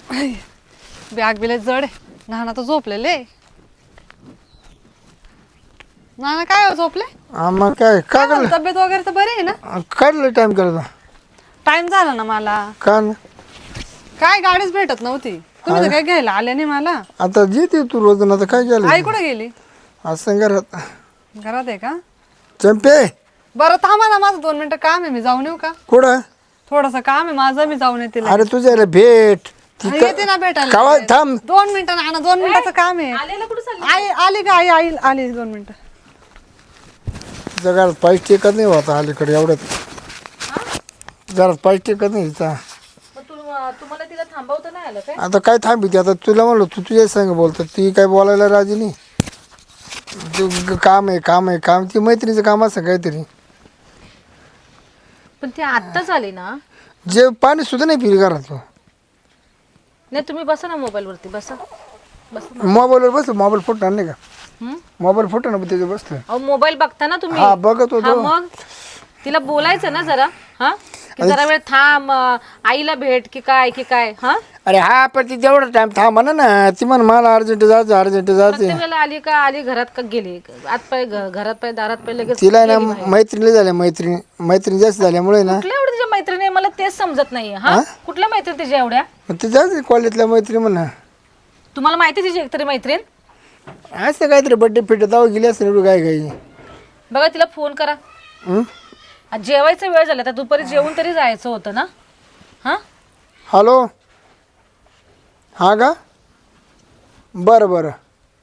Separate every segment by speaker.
Speaker 1: Bag बिले जड आहे. नाना तर झोपलेले. नाना काय हो झोपले?
Speaker 2: मग काय
Speaker 1: काय
Speaker 2: काय
Speaker 1: झालं, तब्येत वगैरे तर बरी आहे ना?
Speaker 2: काढलं टाइम करता
Speaker 1: टाइम झाला ना मला.
Speaker 2: का ना
Speaker 1: काय गाडीच भेटत नव्हती. तुम्ही तर काय घ्यायला आले नाही मला.
Speaker 2: आता जिथे तू रोज आता काय
Speaker 1: आई
Speaker 2: केलं
Speaker 1: कुठे गेली?
Speaker 2: असं घरात
Speaker 1: घरात आहे का?
Speaker 2: चंपे
Speaker 1: बरं थांबा ना, माझं 2 मिनिटं काम आहे. मी जाऊन येऊ का?
Speaker 2: कुठं?
Speaker 1: थोडस काम आहे माझं, मी जाऊन येते.
Speaker 2: अरे तुझ्या भेट
Speaker 1: येते ना भेटायला.
Speaker 2: कावा थांब
Speaker 1: 2 मिनिटं ना, 2 मिनिटाचं काम आहे. आई आली का? आई आली 2 मिनिटं.
Speaker 2: जगात पाईप टेकत नाही होता अलीकडे एवढ्यात जरा पाईप टेकत नाही हिचा.
Speaker 3: तुम्हाला तिला थांबवता नाही आलं काय?
Speaker 2: आता काय थांबी आता तुला म्हणलो तू तुझ्या संग बोलतो ती काय बोलायला राजी नाही. तू काम आहे काम आहे काम ती मैत्रिणीचं काम असं काहीतरी.
Speaker 3: पण ती आत्ताच आली ना.
Speaker 2: जे पाणी सुद्धा नाही पिली घरात.
Speaker 3: नाही तुम्ही बसा ना मोबाईल वरती बसा. बसा.
Speaker 2: मोबाईलवर बसलो मोबाईल फोटो आणले का?
Speaker 3: हम्म?
Speaker 2: मोबाईल फोटो ना त्याचं बसलो.
Speaker 3: अहो मोबाईल बघता ना तुम्ही.
Speaker 2: हा बघत
Speaker 3: हा
Speaker 2: होतो.
Speaker 3: मग तिला बोलायचं ना जरा. हा की जरा वेळ थांब, आईला भेट की काय हा.
Speaker 2: अरे हा पण ती जेवढा टाइम थांब म्हणा ना ती म्हण मला अर्जंट जायचं अर्जंट जायचं.
Speaker 3: प्रत्येक वेळेला आली का आली घरात का गेली आत पाय घरात पाय दारात पाय लगेच
Speaker 2: तिला ना
Speaker 3: गेली बाहेर.
Speaker 2: मैत्रिणी झाल्या मैत्रिणी जास्त झाल्यामुळे ना
Speaker 3: कुठल्या एवढ्या तिच्या मैत्रिणी आहे? मला तेच समजत नाहीये. हा कुठल्या मैत्रिणी तिच्या एवढ्या?
Speaker 2: ती जायचं कॉलेजला मैत्रिणी म्हणा
Speaker 3: तुम्हाला माहिती तिची एकतरी मैत्रीण?
Speaker 2: असं काहीतरी बड्डे फिट जाऊ गेली असं एवढं काय काही.
Speaker 3: बघा तिला फोन करा. आज जेवायचा वेळ झाला तर दुपारी जेवून तरी जायचं होतं ना. हा
Speaker 2: हॅलो हा का बरं बरं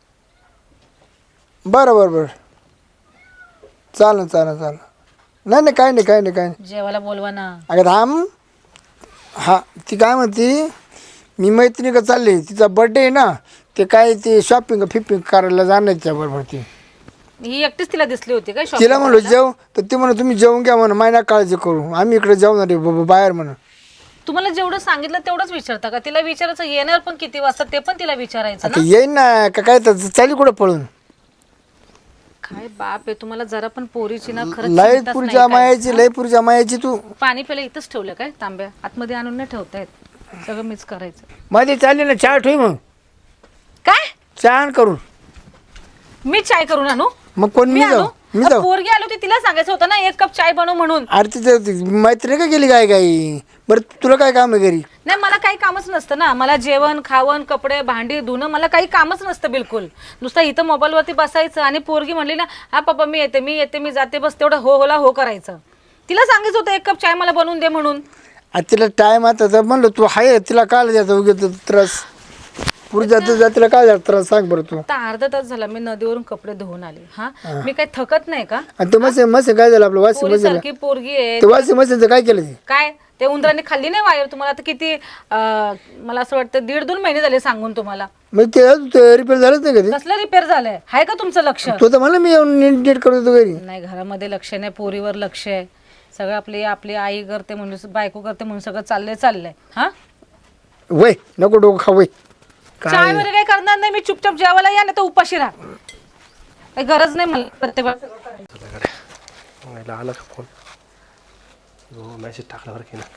Speaker 2: बरं बरं बरं चालेल चालेल चालेल. नाही नाही काही नाही काही नाही काही नाही.
Speaker 3: जेवायला बोलवा ना.
Speaker 2: अगं थांब. हा ती काय म्हणती मी मैत्रिणी का चालली तिचा बड्डे आहे ना ते काय ते शॉपिंग फिपिंग करायला जाणार त्याबरोबर ती.
Speaker 3: ही एकटीच तिला दिसली होती काय?
Speaker 2: तिला म्हणलो जेव तर ती म्हणून तुम्ही जेवून घ्या म्हणून मायना काळजी करू आम्ही इकडे जेवणार आहे बाहेर म्हणून.
Speaker 3: तुम्हाला जेवढं सांगितलं तेवढंच विचारता का? तिला विचारायचं येणार पण किती वाजता ते पण तिला विचारायचं
Speaker 2: आता
Speaker 3: ना.
Speaker 2: येईन ना का काय तर चाली कुठं पळून.
Speaker 3: काय बाप आहे तुम्हाला जरा पण पोरीची ना खरंच
Speaker 2: लय
Speaker 3: चिंताच नाही
Speaker 2: पुरच्या
Speaker 3: काय?
Speaker 2: मायाची लय पुरच्या मायाची तू.
Speaker 3: पाणी पहिलं इथंच ठेवलं काय तांब्या? आतमध्ये आणून नाही ठेवता येत. सगळं मीच करायचं.
Speaker 2: मध्ये चालली ना चहा ठेवी मग
Speaker 3: काय?
Speaker 2: चहा आण करून.
Speaker 3: मी चाय करून आणू?
Speaker 2: मग कोण मी जाऊ मी जाऊ.
Speaker 3: पोरगी आली होती तिला सांगायचं होतं ना 1 कप चाय बनव म्हणून.
Speaker 2: अरे तिचं मैत्रिणी का गेली काय काही. बरं तुला काय काम आहे घरी?
Speaker 3: नाही मला काही कामच नसतं ना. मला जेवण खावण कपडे भांडी धुणं मला काही कामच नसतं बिलकुल. नुसतं इथं मोबाईलवरती बसायचं आणि पोरगी म्हणली ना हा पप्पा मी येते मी जाते बस तेवढं हो होला हो करायचं. तिला सांगायचं होतं 1 कप चाय मला बनवून दे म्हणून.
Speaker 2: आता तिला टाइम आता तर म्हणलं तू आहे तिला काय द्यायचं उगीच त्रास पुढे जातीला काय द्यायचा त्रास सांग बरं तू.
Speaker 3: आता अर्धा तास झाला मी नदीवरून कपडे धुवून आले. हा मी काही थकत नाही का?
Speaker 2: आणि ते मसे काय झालं आपलं वाशी मशीन
Speaker 3: सारखी पोरगी आहे.
Speaker 2: ते वाशी मशीनचं काय केलं ते?
Speaker 3: काय ते उंदराने खाल्ली नाही वायर तुम्हाला? आता किती मला असं वाटतं 1.5-2 महिने झाले सांगून तुम्हाला.
Speaker 2: मग ते रिपेअर झालंच नाही का ते?
Speaker 3: कसलं रिपेअर झालंय? आहे का तुमचं लक्ष?
Speaker 2: तो तर मला मी येऊन नीट करत होतो घरी.
Speaker 3: नाही घरामध्ये लक्ष नाही पोरीवर लक्ष आहे. सगळं आपली आई करते म्हणून बायको करते म्हणून सगळं चाललंय. हा
Speaker 2: वय नको डोकं खा वय.
Speaker 3: चाय वगैरे काही करणार नाही मी. चुपचाप जेवायला या नाही तर उपाशी राहा. काही गरज नाही मला प्रत्येक वेळेस.
Speaker 4: आला का फोन? हो मेसेज टाकला बरं की ना.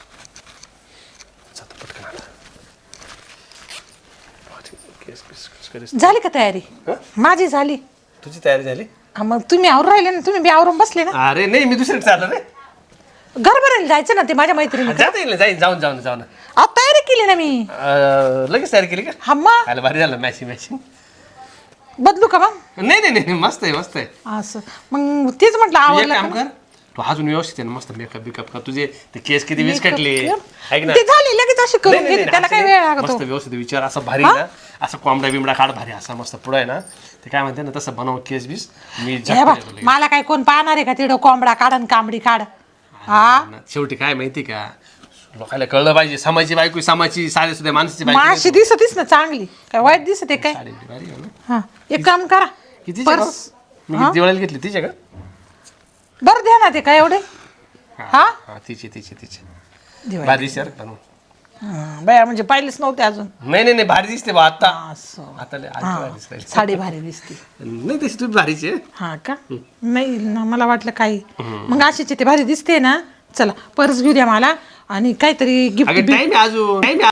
Speaker 4: पटकन आता
Speaker 5: झाली का तयारी? माझी झाली.
Speaker 4: तुझी तयारी झाली?
Speaker 5: मग तुम्ही आवरून राहिले ना. तुम्ही बी आवरून बसले ना.
Speaker 4: अरे नाही मी दुसरीकडे चाललो रे.
Speaker 5: घर भरायला जायचं ना ते माझ्या मैत्रिणी.
Speaker 4: जाता येईल जाईन जाऊन
Speaker 5: अहो तयारी केली ना मी.
Speaker 4: लगेच तयारी केली का?
Speaker 5: हा मग
Speaker 4: आलं भारी झालं मॅचिंग.
Speaker 5: बदलू का मग?
Speaker 4: नाही मस्त आहे.
Speaker 5: असं मग तेच म्हटलं
Speaker 4: तू एक
Speaker 5: आवडलं
Speaker 4: काम
Speaker 5: का?
Speaker 4: कर तू अजून व्यवस्थित आहे ना मस्त मेकअप बिकअप का तुझे ते केस किती वीस कटले ऐक ना.
Speaker 5: ते झाली लगेच अशी करून घेते त्याला काय वेळ लागतो?
Speaker 4: मस्त व्यवस्थित विचार असं भारी ना असं कोंबडा बिमडा काढ भारी असा मस्त पुढं आहे ना ते काय म्हणते ना तसं बनव केस बीस मी
Speaker 5: हे बघ, मला काय कोण पाहणार आहे का तिथं कोंबडा काढ आणि कांबडी काढ. हा
Speaker 4: शेवटी काय माहिती का लोकांना कळलं पाहिजे समाजची बायको समाजची साडी सुद्धा माणसाची बायको
Speaker 5: माशी दिसतीस ना चांगली काय वाईट दिसते काय?
Speaker 4: साडी भारी आहे ना.
Speaker 5: हा एक काम करा
Speaker 4: किती
Speaker 5: पर्स
Speaker 4: मी दिवाळीला घेतली तिच्या का?
Speaker 5: बरं द्या ना ते काय एवढे. हा
Speaker 4: हा तिची
Speaker 5: दिवाळी.
Speaker 4: भारी दिसते बरं बनवून.
Speaker 5: बाया म्हणजे पाहिलेच नव्हते अजून.
Speaker 4: नाही भारी दिसते बा आता
Speaker 5: असं
Speaker 4: आता लय आणखी भारी दिसते.
Speaker 5: साडी भारी दिसते.
Speaker 4: नाही तशी तुम्ही भारीची आहे.
Speaker 5: हा का? नाही ना मला वाटलं काही. मग अशीच ते भारी दिसते ना. चला पर्स घेऊ द्या मला आणि काहीतरी गिफ्ट.
Speaker 4: अगं टाइम आहे अजून टाइम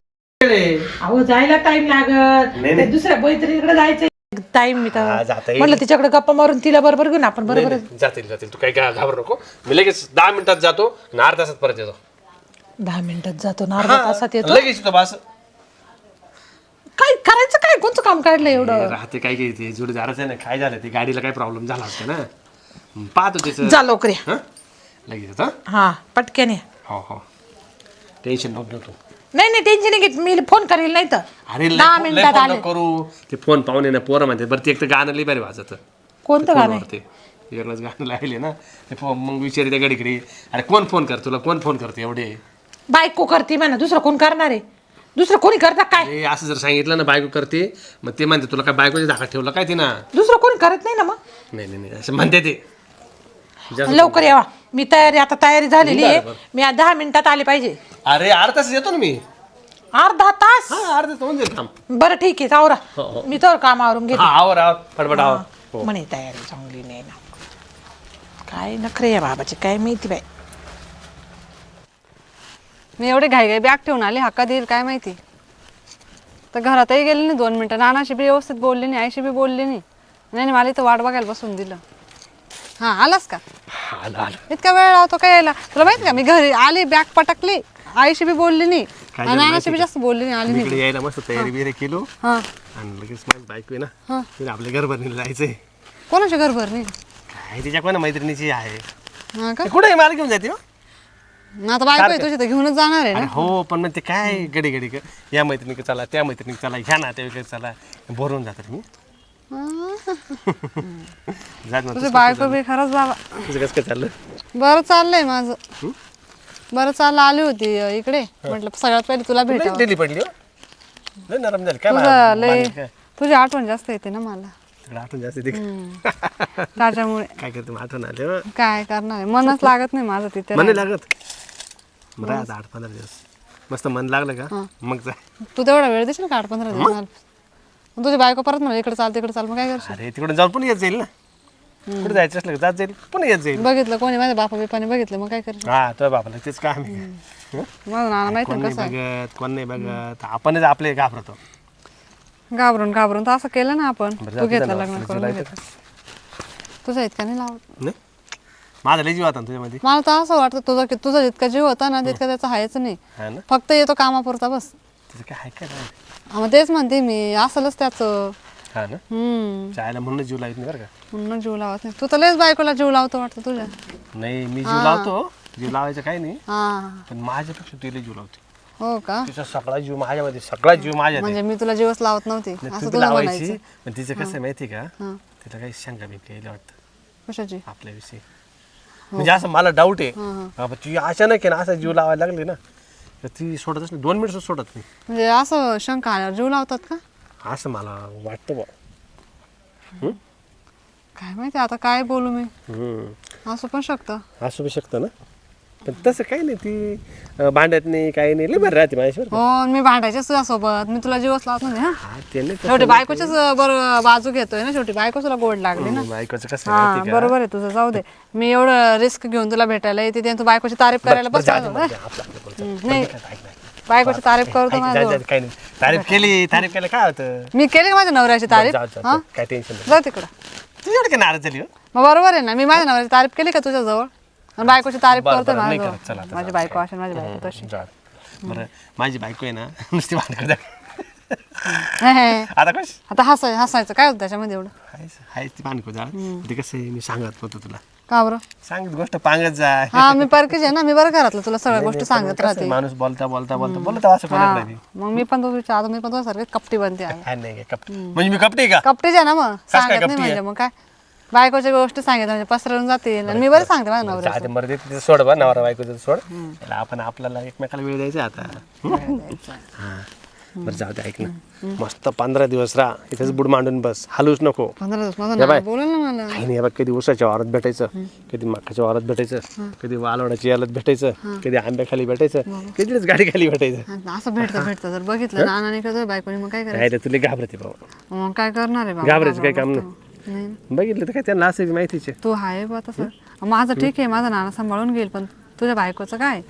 Speaker 4: गेले
Speaker 5: अहो जायला टाइम लागत
Speaker 4: नाही.
Speaker 5: ते दुसऱ्या मैत्रिणीकडे जायचं टाइम मी
Speaker 4: हा,
Speaker 5: तर
Speaker 4: जाता येईल.
Speaker 5: म्हटलं तिच्याकडे गप्पा मारून तिला बरोबर घेऊन आपण बरोबर
Speaker 4: जातील तू काही घाबरू नको मी लगेच 10 मिनिटात जातो आणि अर्ध्या तासात परत येतो
Speaker 5: 10 मिनिटात जातो ना अर्धा तासात येतो
Speaker 4: लगेच येतो बस
Speaker 5: काय करायचं काय कोणतं काम काढलं एवढं
Speaker 4: राहते काय काही ते जोडीदारच आहे ना काय झालं ते गाडीला काही प्रॉब्लेम झाला असते ना पाहतो त्याचं
Speaker 5: जा लवकर या.
Speaker 4: हं? लगेच येतो हं?
Speaker 5: हा पटकन या.
Speaker 4: हो टेन्शन नको घेऊ तू
Speaker 5: नाही टेन्शन नाही घेत मी फोन करेल नाही तर
Speaker 4: अरे
Speaker 5: 10 मिनिटात आले
Speaker 4: करू ते फोन पाहून ना पोरं म्हणते बरं ते एक तर गाणं लई बरे वाजत
Speaker 5: कोणतं गाणं आहे?
Speaker 4: ते वेगळंच गाणं लागले ना ते मग विचारी त्या गाडीकडे अरे कोण फोन कर तुला कोण फोन करते एवढे
Speaker 5: बायको करते म्हणा दुसरं कोण करणार आहे दुसरं कोणी करता काय
Speaker 4: अरे असं जर सांगितलं ना बायको करते मग ते म्हणते तुला काय बायकोच्या धाकात ठेवलं काय ते ना
Speaker 5: दुसरं कोणी करत नाही ना मग
Speaker 4: नाही असं म्हणते ते
Speaker 5: लवकर यावा मी आता तयारी झालेली आहे मी 10 मिनिटात आले पाहिजे
Speaker 4: अरे अर्धा तास येतो ना मी
Speaker 5: अर्धा तास
Speaker 4: हा अर्धा तास होऊन जाईल काम
Speaker 5: बरं ठीक आहे आवरा मी तर काम आवरून घेते
Speaker 4: हा आवर फडफड आवर
Speaker 5: म्हणे तयारी चांगली नाही ना काय नखरे या बाबाची काय माहिती बाई
Speaker 1: मी एवढे घाई बॅग ठेवून आली हक्का देईल काय माहिती तर घरातही गेली नाही 2 मिनिटं नानाशी बी व्यवस्थित बोलली नाही आईशी बी बोलली नाही मला इथं वाट बघायला बसून दिलं हा आलास का
Speaker 4: आलं
Speaker 1: इतका वेळ लावतो काय यायला तुला माहिती का मी घरी आली बॅग पटकली आईशी बी बोलली नाही आणि नानाशी बी जास्त बोलली नाही आली नाही
Speaker 4: इकडे यायला मस्त तयारी बिरी केलो
Speaker 1: हा
Speaker 4: आणि लगेच माझी बायको आहे ना तिला आपल्या घर भरणीला जायचंय
Speaker 1: कोणाची घर भरणी
Speaker 4: काय तिच्या कोणा मैत्रिणीची आहे
Speaker 1: हा का
Speaker 4: ते कुठे मला घेऊन जाते हो?
Speaker 1: आता बायको आहे तुझी तर घेऊनच जाणार आहे
Speaker 4: अरे
Speaker 1: ना
Speaker 4: हो पण मग ते काय गडी या मैत्रिणीकडे चला त्या मैत्रिणीकडे चला ह्या नात्याकडे चला बोरवून जातात मी जात ना
Speaker 1: तुझी बायको बी खरंच बाबा
Speaker 4: तुझं कसं काय चाललं
Speaker 1: बरं चाललंय माझं बरं चाललं आली होती इकडे म्हटलं सगळ्यात पहिले तुला भेटावं
Speaker 4: दिली पडली हो लय नरम झाली काय
Speaker 1: तुझं लय
Speaker 4: बांधली काय
Speaker 1: तुझी आठवण जास्त येते ना मला
Speaker 4: तिकडे आठवण जास्त येते का?
Speaker 1: त्याच्यामुळे
Speaker 4: काय करते मग आठवण आले हो.
Speaker 1: काय करणार आहे मनच लागत नाही माझं तिथे
Speaker 4: मन नाही लागत बरं आता 8-15 दिवस मस्त मन लागलं का मग जाय
Speaker 1: तू तेवढा वेळ देशील का 8-15 दिवस मला मग तुझी बायको परत म्हणा इकडे चाल तिकडे चाल मग काय करशील
Speaker 4: अरे तिकडून जाऊन पुन्हा येत जाईल ना कुठे जायचं असलं का जात जाईल पुन्हा येत जाईल
Speaker 1: बघितलं कोणी माझ्या बापा बिपाने बघितलं मग काय करशील
Speaker 4: हा तुझ्या बापाला तेच काम आहे
Speaker 1: माझं नाना माहित
Speaker 4: कोण
Speaker 1: नाही
Speaker 4: नाही
Speaker 1: कसं आहे
Speaker 4: बघत कोण नाही बघत आपणच आपले घाबरतो
Speaker 1: घाबरून तर असं केलं ना आपण
Speaker 4: बरं,
Speaker 1: तू
Speaker 4: जाऊ दे
Speaker 1: घेतलं
Speaker 4: ना,
Speaker 1: लग्न
Speaker 4: तुला
Speaker 1: करून घेतलं तुझा इतका नाही लावत
Speaker 4: नाही माझा लय जीव होता ना तुझ्यामध्ये
Speaker 1: मला तर असं वाटतं तुझा जितका जीव होता ना तितका त्याचा हायच नाही
Speaker 4: हा ना
Speaker 1: फक्त येतो कामापुरता बस
Speaker 4: तिचं काय आहे काय नाही.
Speaker 1: हा, मग तेच म्हणते मी असलच त्याचं
Speaker 4: हा ना चायला म्हणून जीव लावत नाही बरं का
Speaker 1: म्हणून जीव लावत नाही तू तर लयच बायकोला जीव लावतो वाटतं तुझ्या
Speaker 4: नाही मी जीव लावतो जीव लावायचं काही नाही
Speaker 1: हा
Speaker 4: पण माझ्यापेक्षा तुला जीव लावते
Speaker 1: हो का
Speaker 4: तिचा सगळा जीव माझ्यामध्ये सगळा जीव माझ्यात आहे.
Speaker 1: म्हणजे मी तुला जीवच लावत नव्हती
Speaker 4: नाही,
Speaker 1: असं
Speaker 4: तू ती
Speaker 1: तुला
Speaker 4: लावायची
Speaker 1: म्हणायचं
Speaker 4: पण तिचं कसं आहे माहिती आहे का तिला काही शंका बिंका यायला वाटतं
Speaker 1: कशाची
Speaker 4: आपल्याविषयी म्हणजे असं मला डाऊट आहे बाबा ती अचानक आहे ना असं जीव लावायला लागली ना तर ती सोडतच नाही 2 मिनिट सोडत नाही
Speaker 1: म्हणजे असं शंका आल्यावर जीव लावतात का
Speaker 4: असं मला वाटतं बा
Speaker 1: काय माहिती आता काय बोलू मी असं पण शकतं
Speaker 4: असू बी शकतं ना पण तसं काही नाही ती भांडत नाही काही नाही लय बरं राहते माझ्यावर
Speaker 1: हो मी भांडायचे तुझ्यासोबत मी तुला जीवच लावत नाही हा
Speaker 4: हा ते नाही
Speaker 1: शेवटी बायकोच्याच बरोबर बाजू घेतोय ना शेवटी बायको तुला गोड लागली ना
Speaker 4: बायकोचं कसं
Speaker 1: हा
Speaker 4: माहिती का
Speaker 1: बरोबर आहे तुझं जाऊ दे मी एवढं रिस्क घेऊन तुला भेटायला येते आणि तू बायकोची तारीफ करायला बस नाही बायकोची तारीफ करतो माझं
Speaker 4: काही नाही तारीफ केलं काय होतं
Speaker 1: मी केली माझ्या नवऱ्याची तारीफ
Speaker 4: जाऊ, जाऊ,
Speaker 1: हा
Speaker 4: काय टेन्शन नाही
Speaker 1: जा तिकडं
Speaker 4: तुझी एवढं काय नाराज झाली हो
Speaker 1: मग बरोबर आहे ना मी माझ्या नवऱ्याची तारीफ केली का तुझ्या जवळ आणि बायकोची तारीफ
Speaker 4: बरं,
Speaker 1: करतोय
Speaker 4: बरं, नाही
Speaker 1: माझ्या
Speaker 4: करत. चला, आता
Speaker 1: माझी
Speaker 4: जाऊ.
Speaker 1: बायको असेल माझी बायको तशी
Speaker 4: जाऊ दे. बरं माझी बायको आहे ना नुसती भांडण
Speaker 1: हे, हे.
Speaker 4: आता कश
Speaker 1: आता हसायचं काय होतं त्याच्यामध्ये एवढं
Speaker 4: हायच ती भांडको जाळ ते कसं आहे मी सांगत होतो तुला
Speaker 1: का बरं
Speaker 4: सांगत गोष्ट पांगत जाय
Speaker 1: हा मी परकीच आहे ना मी बरं घरातलं तुला सगळ्या गोष्टी सांगत
Speaker 4: कसं आहे,
Speaker 1: राहते
Speaker 4: माणूस बोलता असं कोणत नाही
Speaker 1: मग मी पण आता मी पण तुझ्यासारखे कपटी बनते आहे
Speaker 4: हा, नाही काय कपटी म्हणजे मी कपटी आहे का
Speaker 1: कपटीच आहे ना मग
Speaker 4: काय
Speaker 1: सांगत नाही
Speaker 4: कपटी
Speaker 1: म्हणजे मग काय बायकोच्या गोष्टी सांगितल्या म्हणजे पसरवून जातील आणि मी बरं सांगते माझ्या नवऱ्या
Speaker 4: आधी मर्दी तिचं सोड बा नवरा बायकोचं सोड त्याला आपण आपल्याला एकमेकाला वेळ द्यायचा आता हा बरं जाऊ दे ऐक ना मस्त 15 दिवस राहा इथेच बुड मांडून बस हलूच नको
Speaker 1: 15 दिवस माझं नाव बोलेल ना मला
Speaker 4: काही नाही बघ कधी उसाच्या वारात भेटायचं कधी मक्काच्या वारात भेटायचं कधी वालवडाच्या यालात भेटायचं कधी आंब्याखाली भेटायचं कधीच गाडी खाली भेटायचं
Speaker 1: आणि असं भेटतं जर बघितलं नानाने करतोय बायकोने मग काय करायचं
Speaker 4: काय रे तुला घाबरते भाऊ
Speaker 1: मग काय करणार आहे बाबा
Speaker 4: घाबरायचं काही काम नाही
Speaker 1: नाही
Speaker 4: बघितलं तर काय त्यांना असं माहितीच आहे
Speaker 1: तू आहे बा तसं माझं ठीक आहे माझा नाना सांभाळून घेईल पण तुझ्या बायकोचं काय
Speaker 4: हं?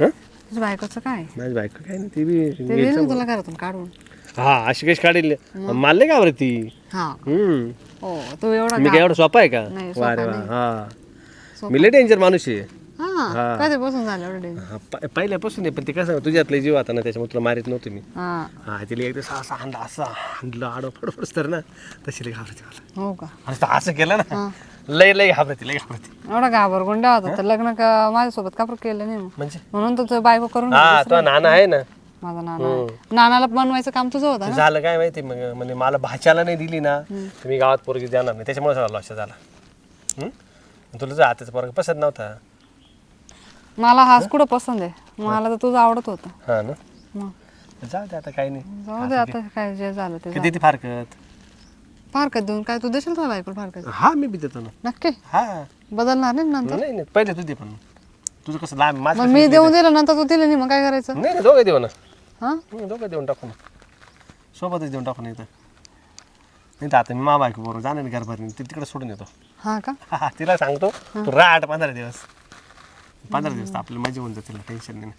Speaker 1: तुझ्या बायकोचं काय
Speaker 4: माझी बायको काय नाही ती बी
Speaker 1: ते दिलं ना तुला घरातून काढून.
Speaker 4: हा अशी कशी काढेल मला नाही का बरं ती
Speaker 1: हा
Speaker 4: हम्म
Speaker 1: हो तू एवढा
Speaker 4: मी काय एवढं सोपा आहे का
Speaker 1: नाही,
Speaker 4: वा रे वा
Speaker 1: सोपा
Speaker 4: हा मी लय डेंजर माणूस आहे
Speaker 1: हा कधी बसून झालं एवढं danger?
Speaker 4: हा, पहिल्यापासून आहे पण ते कसं तुझ्यातलं जीव आता ना त्याच्यामुळे तुला मारित नव्हतं मी
Speaker 1: हा
Speaker 4: हा तिला एकदा असं हाणलं असं हाणलं आडो फडफडच तर ना तशी लई घाबरते मला
Speaker 1: हो का
Speaker 4: आणि तो असं केलं ना लय लय घाबरते लय घाबरते
Speaker 1: एवढा घाबरगुंडा होता तर लग्न माझ्यासोबत का केलं नाही मग
Speaker 4: म्हणजे
Speaker 1: म्हणून तुझं बायको करून
Speaker 4: हा तो नाना आहे ना
Speaker 1: माझा नाना आहे. नानाला बनवायचं काम तुझं होतं
Speaker 4: ते
Speaker 1: ना.
Speaker 4: झालं काय माहिती मग म्हणजे मला भाच्याला नाही दिली ना तर मी गावात पोरगी देणार नाही त्याच्यामुळे सगळा लॉस झाला तुला जर आताचा पोरगा पसंत नव्हता
Speaker 1: मला हाच कुठं पसंत आहे मला तर तुझं आवडत होतं
Speaker 4: हा ना
Speaker 1: मग
Speaker 4: जाऊ दे आता काही नाही
Speaker 1: जाऊ दे आता काय जे झालं ते
Speaker 4: किती ती फारकत
Speaker 1: फारकत देऊन काय तू देशील तुला बायको फारकत
Speaker 4: हा मी बी देतो ना
Speaker 1: नक्की
Speaker 4: हा
Speaker 1: बदलणार नाही ना नंतर
Speaker 4: नाही नाही पहिले तू दे पण तुझं कसं लांब माझं
Speaker 1: मग
Speaker 4: कसं
Speaker 1: मी देऊन दिलं नंतर तू दिलं नाही मग काय करायचं
Speaker 4: नाही नाही दोघं देऊ ना
Speaker 1: हा
Speaker 4: दोघं देऊन टाकू ना सोबतच देऊन टाकू नाही तर नाही तर आता मी मा बायको बरोबर जाणार नाही घरभर ती तिकडे सोडून येतो
Speaker 1: हा का
Speaker 4: हा तिला सांगतो तू राहट 15 दिवस 15 दिवस तर आपली मजा होऊन जाते टेन्शन नाही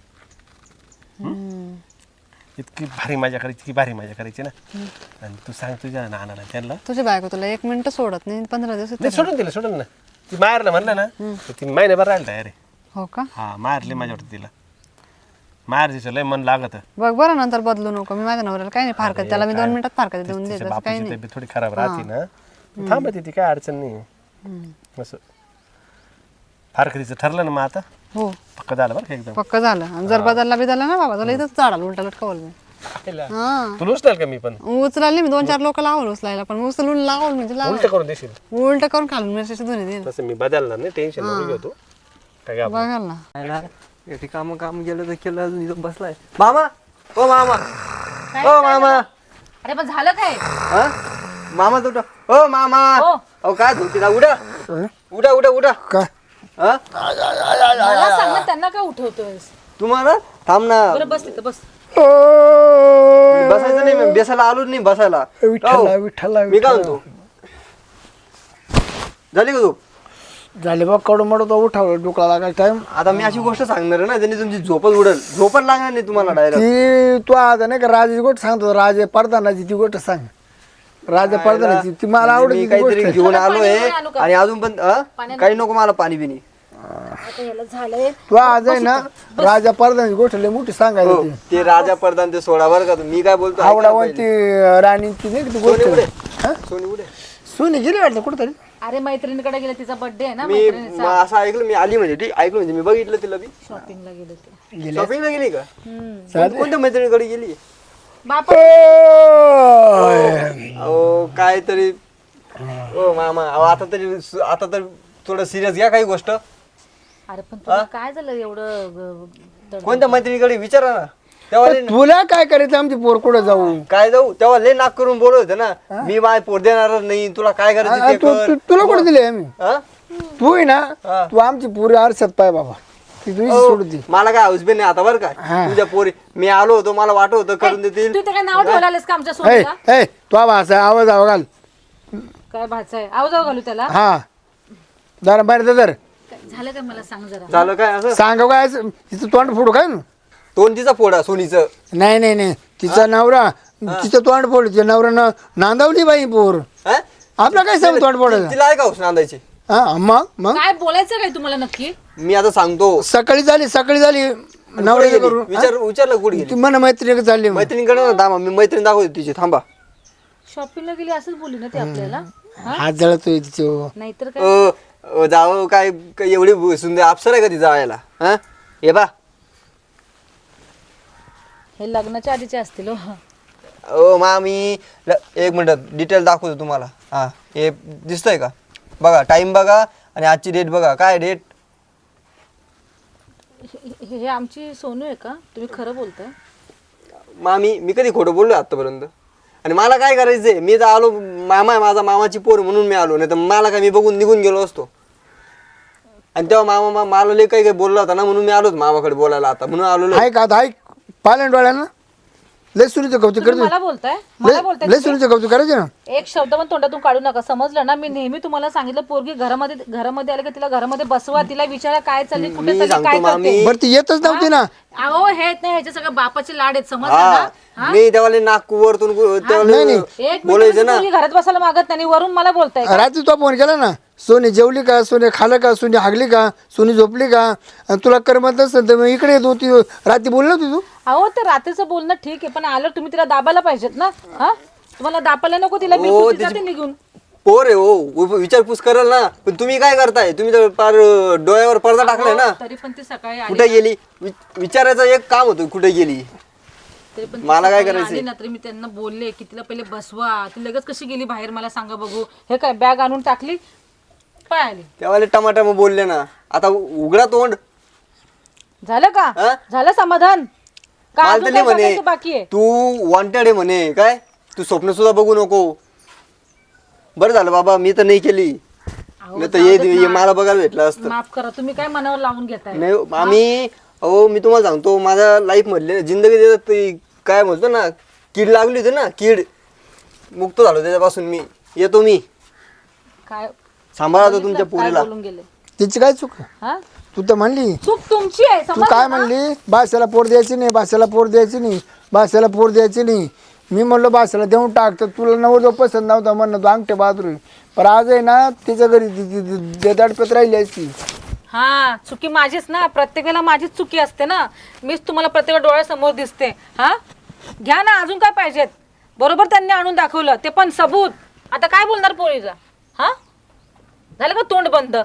Speaker 4: इतकी भारी मजा करायची इतकी भारी मजा करायची ना आणि तू सांग तुझ्या नानाला त्यांना
Speaker 1: तुझी बायको तुला 1 मिनिट सोडत नाही 15 दिवस
Speaker 4: नाही सोडून ना ती मारलं म्हणलं ना तर ती महिन्याभर राहिलं तयार आहे
Speaker 1: हो का
Speaker 4: हा मारले माझ्या वाटतं तिला मार दिसं लय मन लागत
Speaker 1: बघ बरं नंतर बदलू नको मी माझ्या नवऱ्याला काही नाही फारकत त्याला मी 2 मिनिटात फारकत देऊन देत
Speaker 4: तिच्या
Speaker 1: असं काही
Speaker 4: बापाची
Speaker 1: नाही
Speaker 4: तब्येत थोडी खराब राहते ना थांबते ती काय अडचण नाही असं फारकतीचं ठरलं ना मग आता
Speaker 1: हो
Speaker 4: पक्क झालं बरं का एकदम
Speaker 1: पक्क झालं आणि जर बदलला ना बाबा तुला इथंच झाडाला उलटा लटकावलं मी हा
Speaker 4: तुला उचलाल का मी पण
Speaker 1: उचलाल नाही मी 2-4 लोक लावून उचलायला पण उचलून लावून म्हणजे लावून
Speaker 4: उलट करून देशील
Speaker 1: उलट करून खालून मिरच्याची धुणी देईल
Speaker 4: तसं मी बदलणार नाही टेन्शन नको घेऊ तू काय आपण
Speaker 1: बघाल ना
Speaker 6: आयला, एटी काम गेलं तर केलं अजून इथं बसलाय मामा ओ मामा ओ मामा
Speaker 3: अरे पण झालं काय
Speaker 6: हा मामा तुट ओ मामा अहो काय झोपती ना उडा उडा उडा उडा
Speaker 2: काय
Speaker 6: हा
Speaker 3: मला सांग ना त्यांना काय उठवतोयस
Speaker 6: तुम्हाला थांब ना
Speaker 3: बरं बस तिथं बस
Speaker 6: बसायचं नाही मी बेसायला आलोच नाही बसायला
Speaker 2: विठ्ठला
Speaker 6: हो.
Speaker 2: विठ्ठला
Speaker 6: मी काय म्हणतो झाली का झोप
Speaker 2: झाले बा कडू मडू तो उठावलं डोकला लागायचा टाइम
Speaker 6: आता मी अशी गोष्ट सांगणार आहे ना त्यांनी तुमची झोपच उडेल झोपच लागणार नाही तुम्हाला डायरेक्ट
Speaker 2: ती तू आता नाही का राजाची गोष्ट सांगतो राजे पडतानाची ती गोष्ट सांग राजा पडतानाची ती मला आवडत
Speaker 6: मी
Speaker 2: ती
Speaker 6: काहीतरी
Speaker 2: गोष्ट
Speaker 6: घेऊन आलोय
Speaker 3: आणू का?
Speaker 6: आणि अजून पण काही नको मला पाणी बिनी
Speaker 3: आता याला झालंय
Speaker 2: तू आज आहे ना राजा पडतानाची गोष्ट लय मोठी सांगायची
Speaker 6: हो,
Speaker 2: ती
Speaker 6: ते राजा प्रधान ते सोडा बरं का मी काय बोलतो ऐका
Speaker 2: आवडावंती राणीची नाही का ती
Speaker 6: सोनी उडे
Speaker 2: गोष्ट
Speaker 6: सोनी उडे
Speaker 2: सुनी गेली वाटतं कुठतरी
Speaker 3: अरे मैत्रिणीकडे गेले तिचा बर्थडे आहे ना
Speaker 6: मी असं ऐकलं मी आली म्हणजे ठीक ऐकलं म्हणजे मी बघितलं तिला बी
Speaker 3: शॉपिंगला गेले ते
Speaker 6: शॉपिंगला गेली का कोणत्या मैत्रिणीकडे गेली
Speaker 3: बापा
Speaker 6: अहो काय तरी ओ मामा अहो आता तर थोडं सिरियस घ्या काही गोष्ट
Speaker 3: अरे पण तुला काय झालं एवढं
Speaker 6: कोणत्या मैत्रिणीकडे विचारा ना तेव्हा
Speaker 2: तुला काय करायचं आमची पोर कुठं जाऊ
Speaker 6: काय जाऊ तेव्हा लय नाक करून बोलत होते ना मी माय पोर देणार नाही तुला काय करायचं ते कर
Speaker 2: तुला कुठे दिले आम्ही
Speaker 6: हा?
Speaker 2: तू आहे ना तू आमची पुरी आरशात पाय बाबा ती तुझी सोडून दे
Speaker 6: मला काय हौसबेन नाही आता बरं का तुझ्या पोरी मी आलो होतो मला वाटत होतं करून देतील
Speaker 3: तू ते काय नाव ठेवलं आलेस का आमच्या
Speaker 2: ए
Speaker 3: सोबत
Speaker 2: ए तू भाषा आवाज आवा घाल
Speaker 3: काय भाचा आहे आवाज घालू त्याला
Speaker 2: हा जरा बाहेर दर
Speaker 3: काय झालं काय मला सांग जरा
Speaker 6: झालं काय असं
Speaker 2: सांग काय असं, तिचं तोंड फोडू काय ना
Speaker 6: तोंड तिचा फोडा सोनीचं
Speaker 2: नाही नाही नाही तिचा नवरा तिचं तोंड फोड तिच्या नवऱ्यानं नांदावली बाई पोर
Speaker 6: हा?
Speaker 2: आपला काय सांग तोंड फोडायचं
Speaker 6: तिला आहे का हौस नांदायची
Speaker 2: हा मग
Speaker 3: काय बोलायचं काय तुम्हाला नक्की
Speaker 6: मी आता सांगतो
Speaker 2: सकाळी झाली नवऱ्याचं करून
Speaker 6: विचारलं कुठे गेली
Speaker 2: ती मन मैत्रिणी चालली मग.
Speaker 6: मैत्रिणीकडे ना थांबा मी मैत्रीण दाखवते तिची थांबा
Speaker 3: शॉपिंगला गेली असंच बोलली ना ती आपल्याला
Speaker 2: हात जळतोय तिचं
Speaker 3: नाहीतर काय
Speaker 6: जावं काय काय एवढी सुंदर अप्सर आहे का ती जायला हा हे बा
Speaker 3: हे लग्नाच्या आधीचे असतील हो.
Speaker 6: ओ मामी एक मिनिट डिटेल दाखवतो तुम्हाला हा हे दिसतंय का बघा टाइम बघा आणि आजची डेट बघा काय डेट
Speaker 3: हे आमची सोनू आहे का तुम्ही खरं बोलताय
Speaker 6: मामी मी कधी खोटं बोललो आतापर्यंत आणि मला काय करायचंय मी तर आलो मामा आहे माझा मामाची पोर म्हणून मी आलो नाही तर मला काय मी बघून निघून गेलो असतो आणि तेव्हा मामा मला लय काही काही बोलला होता ना म्हणून मी आलोच मामाकडे बोलायला आता म्हणून आलो
Speaker 2: ऐक आता ऐक पालन डोळ्यानं लय सुनीचं कौतुक
Speaker 3: तुम्ही
Speaker 2: करतो
Speaker 3: मला बोलताय मला बोलताय
Speaker 2: लय सुनीचं कौतुक करायचं ना.
Speaker 3: एक शब्द पण तोंडातून काढू नका, समजलं ना? मी नेहमी तुम्हाला सांगितलं, पोरगी घरामध्ये आले की तिला घरामध्ये बसवा, तिला विचारा काय चालली, कुठे
Speaker 6: मी
Speaker 3: चालली, काय
Speaker 6: सांगतो
Speaker 3: करते.
Speaker 6: मामी.
Speaker 2: बरं ती येतच नव्हती ना.
Speaker 3: अहो हे नाही, ह्याचे सगळं बापाचे लाड आहेत, समजलं
Speaker 6: हा
Speaker 3: ना?
Speaker 6: मी त्यावाले नाक वरतून
Speaker 3: एक मिनिट पोरगी घरात बसायला मागत नाही, वरून मला बोलताय.
Speaker 2: रात्री तो फोन केला ना, सोनी जेवली का, सोने खाल्लं का, सोनी हागली का, सोनी झोपली का, आणि तुला करमत नसेल तर मग इकडे येतो. ती रात्री बोलली होती तू.
Speaker 3: अहो ते रात्रीचं बोलणं ठीक आहे, पण आलं तुम्ही तिला दाबायला पाहिजेत ना. हा तुम्हाला दाबायला नको तिला, बिलकुल ती जाते निघून.
Speaker 6: पोर आहे हो, विचारपूस कराल ना. पण तुम्ही काय करताय? तुम्ही तर फार डोळ्यावर पडदा टाकलाय ना.
Speaker 3: तरी पण ती सकाळी
Speaker 6: कुठे गेली विचारायचं एक काम होतं, कुठे गेली.
Speaker 3: तरी पण ती
Speaker 6: मला काय
Speaker 3: सकाळी
Speaker 6: करायचंय?
Speaker 3: आली ना, तरी मी त्यांना बोलले की तिला पहिले बसवा. ती लगेच कशी गेली बाहेर मला सांगा बघू. हे काय बॅग आणून टाकली, पाय आली.
Speaker 6: त्यावाले टमाटा बोलले ना, आता उघडा तोंड.
Speaker 3: झालं का?
Speaker 6: हा?
Speaker 3: झालं समाधान का?
Speaker 6: मला
Speaker 3: अजून
Speaker 6: तर
Speaker 3: काय
Speaker 6: म्हणे
Speaker 3: बघायचं बाकी आहे?
Speaker 6: तू वॉन्टेड आहे म्हणे. काय तू स्वप्न सुद्धा बघू नको. बरं झालं बाबा मी तर नाही केली, नाही तर हे मला बघायला भेटलं असतं.
Speaker 3: माफ करा, तुम्ही काय मनावर लावून घेताय?
Speaker 6: नाही आम्ही, अहो मी तुम्हाला सांगतो, माझ्या लाईफ मधले जिंदगी देतात ते काय म्हणतो ना, कीड लागली होती ना, कीड मुक्त झालो त्याच्यापासून. मी येतो, मी
Speaker 3: काय
Speaker 6: सांभाळा तो तुमच्या
Speaker 3: काय
Speaker 6: पोरीला.
Speaker 3: बोलून गेले?
Speaker 2: तिची काय चूक?
Speaker 3: हा
Speaker 2: तू तर म्हणली,
Speaker 3: चूक तुमची आहे,
Speaker 2: तू
Speaker 3: समजलं
Speaker 2: काय
Speaker 3: ना?
Speaker 2: म्हणली, भाषेला पोर द्यायची नाही, भाषेला पोर द्यायची नाही, भाषेला पोर द्यायची नाही. मी म्हणलो भाषेला देऊन टाक, तर तुला नवरदेव पसंत नव्हता म्हणणं, तू अंगठे बहादूर. पण आज आहे ना, तिच्या घरी देदाडपत राहिली असती.
Speaker 3: हा चुकी माझीच ना, प्रत्येक वेळेला माझीच चुकी असते ना. मीच तुम्हाला प्रत्येक वेळा डोळ्यासमोर दिसते. हा घ्या ना, अजून काय पाहिजेत? बरोबर त्यांनी आणून दाखवलं, ते पण सबूत. आता काय बोलणार पोरीचा? हा झालं का तोंड बंद?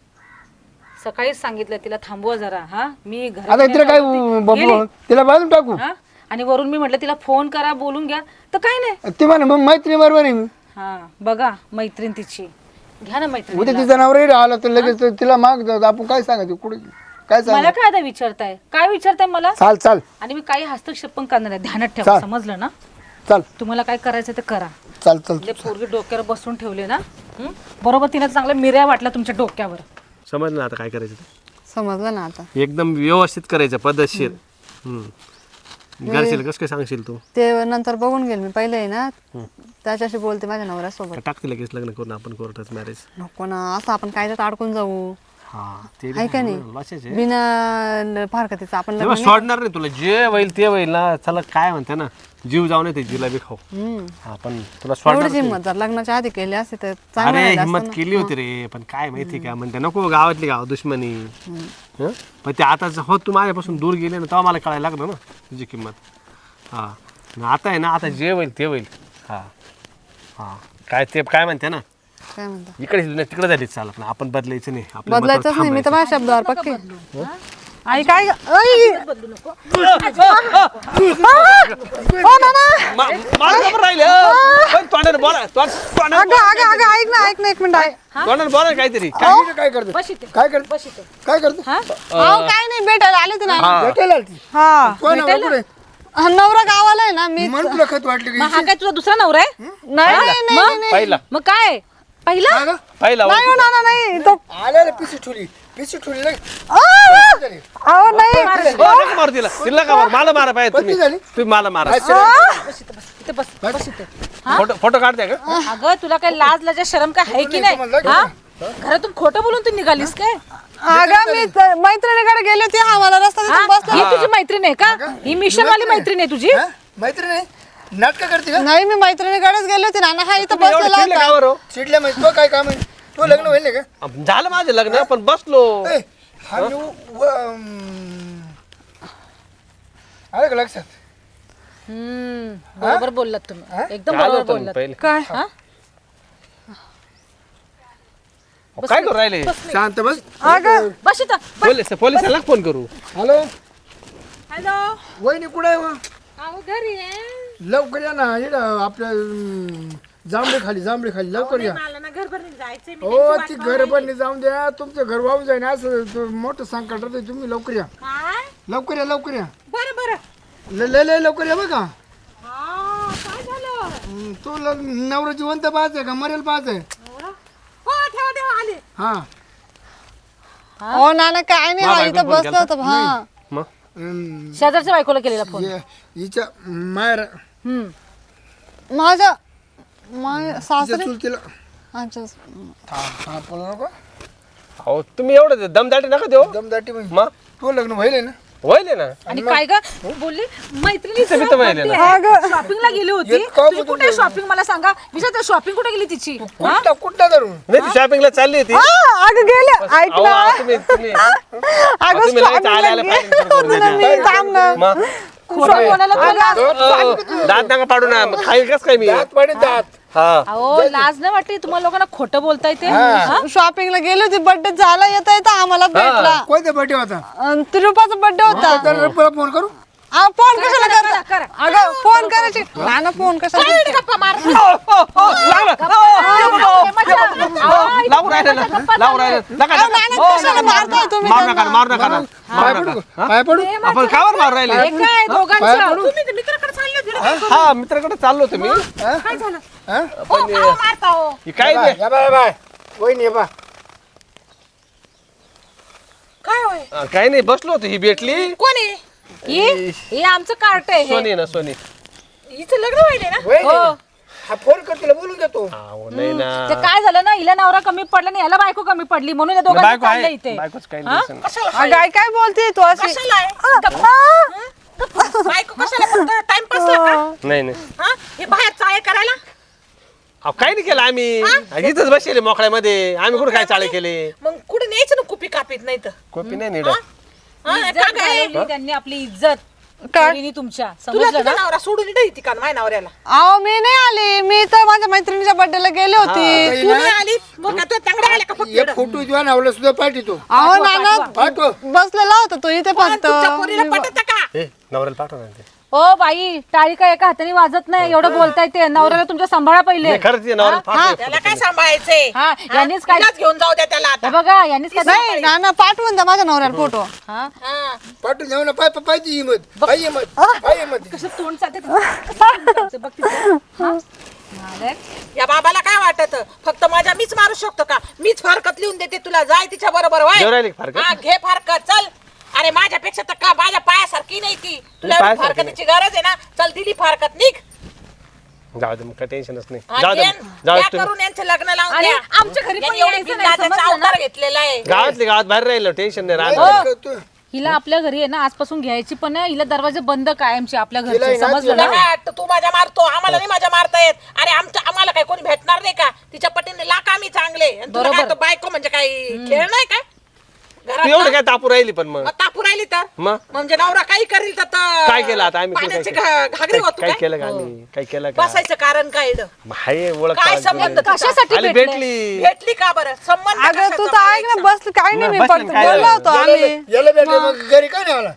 Speaker 3: सकाळीच सांगितलं तिला थांबवा जरा. हा मी
Speaker 2: आता तिला काय बाबू, तिला बाजून टाकू.
Speaker 3: हा आणि वरून मी म्हटलं तिला फोन करा, बोलून घ्या, तर काय नाही.
Speaker 2: ती म्हणे मग मैत्री बरोबर आहे. मी
Speaker 3: हा बघा मैत्रीण तिची, घ्या ना मैत्रीण.
Speaker 2: उद्या तिचा नवरा आला तर लगेच तिला माग आपण काय सांगायचं, कुठे काय सांग.
Speaker 3: मला काय आता विचारताय? काय विचारताय मला?
Speaker 2: चाल चाल
Speaker 3: आणि मी काही हस्तक्षेप पण करणार आहे, ध्यानात ठेवा, समजलं ना?
Speaker 2: चाल
Speaker 3: तुम्हाला काय करायचं ते करा.
Speaker 2: चाल चाल.
Speaker 3: ते पोरगी डोक्यावर बसून ठेवले ना, बरोबर तिने चांगल्या मिऱ्या वाटल्या तुमच्या डोक्यावर.
Speaker 4: समजलं ना आता काय करायचं ते?
Speaker 1: समजलं ना आता.
Speaker 4: एकदम व्यवस्थित करायचं, पद्धतशीर. घरशील कसं काय सांगशील तू?
Speaker 1: ते नंतर बघून गेल मी, पहिले आहे ना त्याच्याशी बोलते माझ्या नवऱ्यासोबत.
Speaker 4: का टाकते लगेच लग्न करून आपण कोर्टात मॅरेज?
Speaker 1: नको ना, असं आपण कायद्यात अडकून जाऊ.
Speaker 4: हा ते
Speaker 1: आहे का नाही?
Speaker 4: लक्षाचे
Speaker 1: बिना फारकतीचं आपण लग्न नाही.
Speaker 4: सोडणार नाही तुला, जे होईल ते होईल ना. चला काय म्हणते ना, जीव जाऊ नये ते जिलाबी खाऊ. हा पण तुला सोडणार
Speaker 1: एवढीच
Speaker 4: नाही.
Speaker 1: हिंमत जर लग्नाच्या आधी केली असते तर चांगलं
Speaker 4: अरे
Speaker 1: राहिलं
Speaker 4: हिंमत
Speaker 1: असतं ना.
Speaker 4: केली होती रे, पण काय माहिती का म्हणते नको गावातली गाव दुश्मनी. हं? पण ते आता हो तू माझ्यापासून दूर गेले ना, तेव्हा मला कळायला लागलं ना तुझी किंमत. हा आणि आता आहे ना, आता जे होईल ते होईल. हा हा काय ते काय म्हणते ना,
Speaker 1: काय म्हणता?
Speaker 4: इकडे तिकडे झालीच चालत ना, आपण बदलायचं नाही, आपल्या
Speaker 1: बदलायचंच
Speaker 4: मतावर
Speaker 1: नाही, मी तर
Speaker 4: थांबायचं.
Speaker 1: माझ्या शब्दावर पक्की. आई काय
Speaker 4: मला खबर राहिली, पण तोंडाने बोला,
Speaker 1: ऐक ना एक मिनिट आहे.
Speaker 4: तोंडाने बोला काहीतरी.
Speaker 2: काय करतो
Speaker 3: बस इथे,
Speaker 2: काय करतो
Speaker 3: बस इथे.
Speaker 2: काय करतो
Speaker 1: अहो काय नाही, भेटायला आले होते ना.
Speaker 2: भेटायला आलती.
Speaker 1: हा
Speaker 2: कोण आहे पुढे?
Speaker 1: हा, नवरा गावाला आहे ना. मी
Speaker 2: मन तुला खत वाटलं की
Speaker 3: मग हा काय तुझा दुसरा नवरा आहे?
Speaker 1: नाही नाही नाही
Speaker 4: पहिला
Speaker 3: मग काय पहिला?
Speaker 2: काय गं?
Speaker 4: पहिला
Speaker 1: नाही हो, नाना, नाही तो.
Speaker 2: आल्याला पिशी ठुली लगे.
Speaker 1: अहो नाही
Speaker 4: मार तिला, तिला का मार? मला मारा पाहिजे तुम्ही.
Speaker 2: पत्नी झाली?
Speaker 4: तुम्ही मला मारा.
Speaker 3: इथे बस, बस इथे.
Speaker 4: फोटो काढते का?
Speaker 3: अगं तुला काय लाज लाजा शरम काय आहे की नाही? हा घरातून खोटं बोलून तू निघालीस काय?
Speaker 1: अगं मी मैत्रिणीकडे गेली होती, हा मला रस्ता
Speaker 3: हा?
Speaker 1: दिसून बसला.
Speaker 3: ही तुझी मैत्रीण आहे का? ही मिशन वाली मैत्रीण आहे तुझी?
Speaker 2: हा? मैत्रीण आहे नाटक करते का?
Speaker 1: नाही, मी मैत्रिणीकडेच गेली होती ना. हा इथं
Speaker 4: एवढं
Speaker 1: बसलेला
Speaker 4: चिडले
Speaker 1: होता.
Speaker 4: का बरं?
Speaker 2: चिडल्या माहिती तो काय काम आहे? तो लग्न होईल का?
Speaker 4: झालं माझं लग्न, पण बसलो.
Speaker 2: ए, हा मी आलं का लक्षात?
Speaker 3: बरोबर बोललात तुम्ही, एकदम
Speaker 4: आलो
Speaker 3: बरोबर
Speaker 4: होतो मी
Speaker 3: बोललात.
Speaker 4: पहिले.
Speaker 1: काय
Speaker 3: हा?
Speaker 4: काय करू राहिले?
Speaker 2: शांत बस.
Speaker 1: अगं
Speaker 3: बस इथं.
Speaker 4: पोलिसांना फोन करू.
Speaker 2: हॅलो
Speaker 3: हॅलो,
Speaker 2: वहिनी कुठे आहे व?
Speaker 3: अहो घरी आहे.
Speaker 2: लवकर या ना, इकडं आपल्या जांभळे खाली लवकर या.
Speaker 3: मला ना घरभर जायचंय.
Speaker 2: हो ती घर बनली जाऊन द्या, तुमचं घर वाहून जाईन असं मोठं संकट आहे. तुम्ही लवकर या, लवकर या.
Speaker 3: बरं बरं.
Speaker 2: लय लवकर या बघा.
Speaker 3: काय झालं?
Speaker 2: तू नवरा जिवंत पाहत आहे का मरेल पाहत आहे?
Speaker 3: हो ठेवा आले.
Speaker 2: हा
Speaker 1: हो नाना, काय नाही, हा इथं बसलो होतो. हा
Speaker 4: मग
Speaker 3: शेजारच्या बायकोला केलेला फोन
Speaker 2: हिच्या मायर
Speaker 1: माझ्या
Speaker 2: तिच्या
Speaker 1: सासरे
Speaker 2: चुलतीला
Speaker 1: अच्छा
Speaker 2: बोलू नको
Speaker 4: अहो तुम्ही एवढं दमदाटी नका देऊ
Speaker 2: दमदाटी म्हणजे
Speaker 4: मग
Speaker 2: तू लग्न व्हायले ना
Speaker 4: व्हायले ना
Speaker 3: आणि काय ग बोलली मैत्रिणी
Speaker 4: मी तर व्हायले ना
Speaker 3: शॉपिंगला गेली होती
Speaker 2: इतकं
Speaker 3: ती कुठे शॉपिंग मला सांगा विचार शॉपिंग कुठे गेली तिची
Speaker 2: कुठला धरून
Speaker 4: नाही ती शॉपिंगला चालली होती
Speaker 1: अगं गेले ऐक
Speaker 4: अहो,
Speaker 1: ना
Speaker 4: तुम्ही तुम्ही
Speaker 1: अगं
Speaker 4: तुम्ही लगेच आले आले
Speaker 1: shopping
Speaker 4: fighting सुरू करून
Speaker 1: ला
Speaker 4: देते.
Speaker 1: मी थांब ना
Speaker 4: मग
Speaker 3: खोटं बोलायला तुला
Speaker 4: दात नका पाडू ना खाईल कस काय मी
Speaker 2: दात पाडे दात
Speaker 4: हा
Speaker 3: अहो लाज नाही वाटते तुम्हाला लोकांना खोटं बोलता येते
Speaker 1: शॉपिंगला गेली होती बर्थडे झाला येता येता आम्हाला भेटला
Speaker 2: कोणत्या बर्थडे होता
Speaker 1: तिरुपाचा बर्थडे होता
Speaker 2: तर फोन करू
Speaker 1: फोन कशाला कर अगं फोन करायची नाना फोन कशाला
Speaker 4: लावून राहिले ना लावून राहिले नका
Speaker 1: नाना कशाला मारताय तुम्ही
Speaker 4: मारू नका मारू नका ना मारू नका
Speaker 2: पाय पडू
Speaker 4: आपण कावर मारू राहिले
Speaker 3: काय दोघांचं तुम्ही तर मित्राकडे चालले होते ना.
Speaker 4: हा मित्राकडे चाललो होतो मी
Speaker 3: काय झालं
Speaker 2: हा?
Speaker 3: का मारता हो
Speaker 4: ही काय नाही.
Speaker 2: या बाय बाय वहिनी ये बा
Speaker 3: काय होय
Speaker 4: काही नाही बसलो होतो ही भेटली
Speaker 3: कोण आहे हे आमचं कार्ट आहे हे.
Speaker 4: सोनी ना सोनी
Speaker 3: हिचं लग्न व्हायले ना
Speaker 2: वहिनी हा फोन कर तिला बोलून घेतो
Speaker 4: अहो, नाही ना
Speaker 3: ते काय झालं ना हिला नवरा कमी पडला नाही याला बायको कमी पडली म्हणून या दोघांचं
Speaker 4: बायको
Speaker 3: चाललंय
Speaker 4: आहे
Speaker 3: इथे
Speaker 4: बायकोच काही नाही
Speaker 1: अगं आई काय बोलते तू अशी
Speaker 3: बायको कशाला फक्त टाइमपास
Speaker 4: नाही नाही
Speaker 3: हे बाहेर चाळे करायला
Speaker 4: अहो काही नाही केलं आम्ही इथंच बसले मोकळ्यामध्ये आम्ही कुठे काय चाळे केले
Speaker 3: मग कुठे न्यायचं ना कुपी कापीत नाही तर
Speaker 4: कॉपी नाही नीड
Speaker 3: त्यांनी आपली इज्जत
Speaker 1: काय?
Speaker 3: पोरीनी तुमच्या समजलं ना नवरा सोडून इथे का माझ्या नवऱ्याला
Speaker 1: अहो मी नाही आली मी तर माझ्या मैत्रिणीच्या बर्थडेला गेले होती
Speaker 3: तू नाही आली मग का तू तांगड्या आल्या का फक्त
Speaker 2: एक फोटो तुझ्या नावला सुद्धा पाठवतो
Speaker 1: अहो नाना
Speaker 2: पाठव
Speaker 1: बसलेला होता तो इथे फक्त
Speaker 3: तुमच्या पोरीला पटत का
Speaker 4: नवऱ्याला पाठव ना ते
Speaker 3: ओ बाई टाळी काय एका हाताने वाजत नाही एवढं बोलताय ते नवऱ्याला तुमच्या सांभाळा पहिले
Speaker 4: नाही, खरंच ते नवऱ्याला पाठव
Speaker 3: त्याला काय सांभाळायचंय हा यांनीच काय घेऊन जाऊ द्या त्याला आता बघा यांनीच काय
Speaker 1: नाही नाना पाठवून द्या माझ्या नवऱ्याला फोटो
Speaker 3: हा
Speaker 2: पाठवून जाऊ ना पाय पाय ती हिमत पाय हिमत पाय हिमत
Speaker 3: कसं तोंड चालते बघ तिचं. या बाबाला काय वाटत फक्त माझ्या मीच मारू शकतो का मीच फारकत लिहून देते तुला जाय तिच्या बरोबर
Speaker 4: देऊ राहिली का फारकत?
Speaker 3: हा घे फारकत चल अरे माझ्यापेक्षा तर का माझ्या पायासारखी नाही ती तुला
Speaker 4: पायासारखी
Speaker 3: फारकतीची गरज आहे ना चल दिली फारकत निघ
Speaker 4: जाऊ दे मग काय टेन्शनच नाही
Speaker 3: हा,
Speaker 4: जाऊ दे
Speaker 3: द्या-
Speaker 4: जाऊ दे
Speaker 3: द्या
Speaker 4: तुम्ही
Speaker 3: करून यांचं लग्न लावून द्या आमच्या घरी एवढे बिनधास्त अवतार घेतलेला आहे
Speaker 4: गावातली गावात बाहेर राहिलो टेन्शन नाही राहत
Speaker 3: हिला आपल्या घरी आहे ना आजपासून घ्यायची पण आहे हिला दरवाजे बंद कायमचे आपल्या
Speaker 2: हिला
Speaker 3: घरचे
Speaker 2: आहे ना,
Speaker 3: समजलं
Speaker 2: तिला
Speaker 3: ना काय वाटतं, तू माझ्या मारतो आम्हाला नाही माझ्या मारता येत अरे आम्हाला काय कोणी भेटणार नाही का तिच्या पटीने लाख आम्ही चांगले आणि तुला काय तो बायको म्हणजे काही खेळ नाही काय
Speaker 4: तू एवढं काय तापू राहिली पण मग
Speaker 3: मग तापू राहिली तर
Speaker 4: मग
Speaker 3: म्हणजे नवरा काही करील तर
Speaker 4: काय केलं आता आम्ही काय
Speaker 3: पाण्याची
Speaker 4: केलं?
Speaker 3: घागरी होतो
Speaker 4: काय
Speaker 3: काय
Speaker 4: केलं का आम्ही काय केलं का
Speaker 3: बसायचं कारण काय इथं?
Speaker 4: हाय ओळख
Speaker 3: काय
Speaker 4: काढली.
Speaker 3: संबंध कशासाठी
Speaker 4: आली भेटली
Speaker 3: भेटली का बरं संबंध
Speaker 1: अगं तू
Speaker 3: कशाचा
Speaker 1: तर ऐक ना बस काय नाही मी
Speaker 4: बस
Speaker 1: फक्त
Speaker 4: काय
Speaker 1: बोललो होतो आम्ही
Speaker 2: याला भेटले मग घरी का नाही आला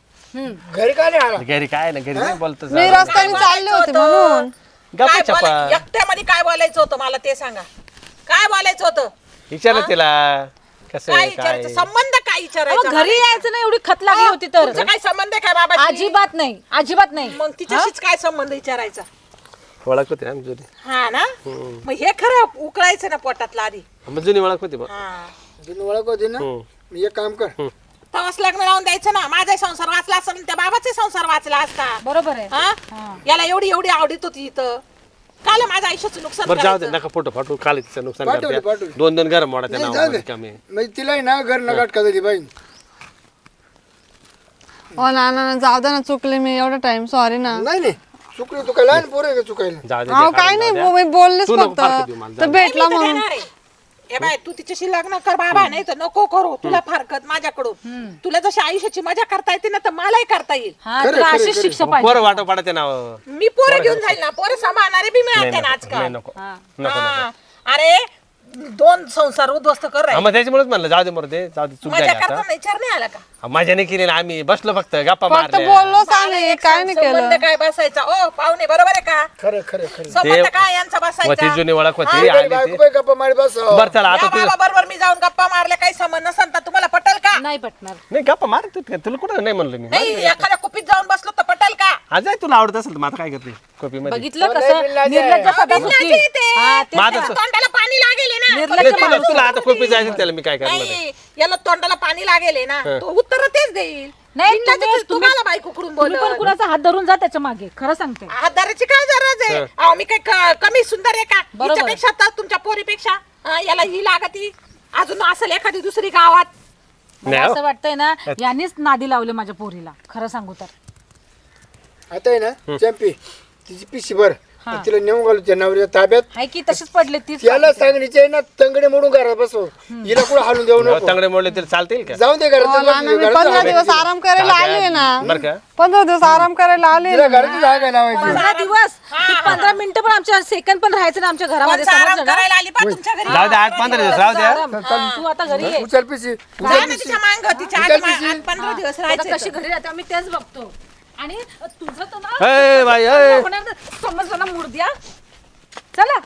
Speaker 2: घरी का नाही आला
Speaker 4: घरी काय ना घरी नाही बोलतो
Speaker 1: मी रस्त्याने चालले होते म्हणून
Speaker 4: गप्पा
Speaker 3: काय
Speaker 4: छप्पा
Speaker 3: एकट्यामध्ये काय बोलायचं होतं मला ते सांगा काय बोलायचं होतं
Speaker 4: विचार तिला कसं
Speaker 3: काय
Speaker 4: आहे, काय
Speaker 3: विचारायचं संबंध काय विचारायचं घरी यायचं ना एवढी खत लागली होती तर काय संबंध आहे काय बाबा अजिबात नाही अजिबात नाही मग तिच्याशीच काय संबंध विचारायचा
Speaker 4: ओळख होती ना आमची जुनी
Speaker 3: हा ना मग हे खरं उकळायचं ना पोटातला आधी
Speaker 4: मग जुनी ओळख होती बघ
Speaker 2: जुनी ओळख होती ना मी एक काम कर
Speaker 3: तेव्हाच लग्न लावून द्यायचं ना माझा संसार वाचला असता आणि त्या बाबाचा संसार वाचला असता बरोबर आहे याला एवढी एवढी आवडीत होती इथं काल माझ्या आयुष्याचं नुकसान
Speaker 4: बरं जाऊ दे
Speaker 3: करायचं?
Speaker 4: नका फोटो फाटू काल तिचं नुकसान
Speaker 2: पाठवली,
Speaker 4: करते
Speaker 2: पाठवली.
Speaker 4: दोन घर मोडा त्या
Speaker 2: नाही, जाऊ दे.
Speaker 4: नावामध्ये कमी
Speaker 2: म्हणजे तिला आहे ना घर नगाट का झाली बाई
Speaker 1: हो नाना जाऊ दे ना चुकले मी एवढा टाइम सॉरी ना
Speaker 2: नाही नाही चुकली तू काय लहान पोर आहे का चुकायला
Speaker 4: जाऊ दे
Speaker 1: अहो
Speaker 4: जे
Speaker 1: काय
Speaker 4: काढून
Speaker 1: नाही
Speaker 4: जाऊ द्या.
Speaker 1: मी बोललेच
Speaker 4: तू नको फारकत देऊ
Speaker 1: फक्त
Speaker 4: मला,
Speaker 1: तर
Speaker 4: जाऊ
Speaker 1: भेटला
Speaker 3: मी तर
Speaker 1: म्हणून
Speaker 3: देणार आहे. ए बाय तू तिच्याशी लग्न कर बाबा नाही तर नको करू तुला फारकत माझ्याकडून तुला जशी आयुष्याची मजा करता येते ना तर मलाही करता येईल तुला अशीच शिक्षा पाहिजे
Speaker 4: पोरं वाटो पाडा ते नाव
Speaker 3: मी पोरं घेऊन जाईल ना पोरं सांभाळणारे बी मिळते ना
Speaker 4: नाही
Speaker 3: आजकाल
Speaker 4: नको नको
Speaker 3: हा. अरे दोन संसार उद्ध्वस्त कर
Speaker 4: हा, मग त्याच्यामुळेच म्हणलं जाऊ दे मरू दे जाऊ दे चूक
Speaker 3: मजा
Speaker 4: झाली
Speaker 3: करताना
Speaker 4: आता
Speaker 3: विचार नाही आला का
Speaker 4: हा, मजा नाही केली ना आम्ही बसलो फक्त गप्पा
Speaker 1: फक्त
Speaker 4: मारल्या
Speaker 1: बोललोच आम्ही काय नाही केलं
Speaker 3: संबंध काय बसायचा ओ पाहुणे बरोबर आहे का
Speaker 2: खरं खरं खरं
Speaker 3: संबंध काय यांचा
Speaker 4: होती
Speaker 3: बसायचा
Speaker 4: जुनी ओळख होती आली
Speaker 2: बायको
Speaker 4: ती
Speaker 2: बाई गप्पा मारी बस
Speaker 4: बरं चला आता
Speaker 3: या
Speaker 4: तुझं
Speaker 3: बाबा बरोबर मी जाऊन गप्पा मारल्या काही संबंध नसेल तर तुम्हाला पटेल का नाही पटणार
Speaker 4: नाही गप्पा मार तू तुला कुठं नाही म्हणलं मी
Speaker 3: नाही एखाद्या कुपीत जाऊन बसलो तर पटेल का
Speaker 4: आज तुला आवडत असेल तर मग आता काय करते कॉपी मध्ये
Speaker 3: बघितलं
Speaker 2: कसं निर्लज्ज
Speaker 3: माझं तोंडाला पाणी लागेल
Speaker 4: नाही, तुला आता कॉपी जायचं त्याला मी काय करणार आहे?
Speaker 3: नाही याला तोंडाला पाणी लागेल ना तो उत्तर तेच देईल नाही
Speaker 5: तुम्हाला बायको करून
Speaker 3: तुम्ही पण कुणाचा हात धरून जा त्याच्या मागे खरं सांगते
Speaker 5: हातदाराची काय गरज आहे अहो, मी काय कमी सुंदर आहे का
Speaker 3: बरोबर.
Speaker 5: हिच्यापेक्षा तर तुमच्या पोरीपेक्षा याला ही लागती अजून असेल एखादी दुसरी गावात.
Speaker 3: मला असं वाटतंय ना यांनीच नादी लावले माझ्या पोरीला खरं सांगू तर
Speaker 2: आता आहे ना चॅम्पी तिची पिशी भर तिला नेऊन घालू त्या नवऱ्या ताब्यात.
Speaker 3: हाय की तशीच पडले तीच
Speaker 2: त्याला सांगण्याची आहे ना तंगडे मोडून घरात बसव हिला कुठं हालून देऊ नको.
Speaker 4: तंगडे मोडले तरी चालतील का
Speaker 2: जाऊन दे घरात
Speaker 1: नाना, मी 15 दिवस आराम करायला आले ना
Speaker 4: बरं का
Speaker 1: 15 दिवस आराम करायला आले
Speaker 2: तिला घराची जागा लावायची.
Speaker 3: 15 दिवस 15 मिनिटं पण आमच्या सेकंड पण राहायचं ना आमच्या घरामध्ये
Speaker 5: कोणचा आराम
Speaker 3: समजलं ना?
Speaker 5: करायला आली पा तुमच्या घरी
Speaker 4: जाऊ द्या 8-15 दिवस राहू द्या
Speaker 3: आराम. तू आता घरी ये
Speaker 2: उचल पिशी
Speaker 5: जा ना तिच्या मांग तिच्या आधी 15 दिवस
Speaker 3: आता
Speaker 5: राहायचे
Speaker 3: कशी घरी राहते आम्ही तेच बघतो आणि तुझं तर ना
Speaker 4: ए बाई ए
Speaker 3: होणार ना, समजलं ना मुर्द्या चला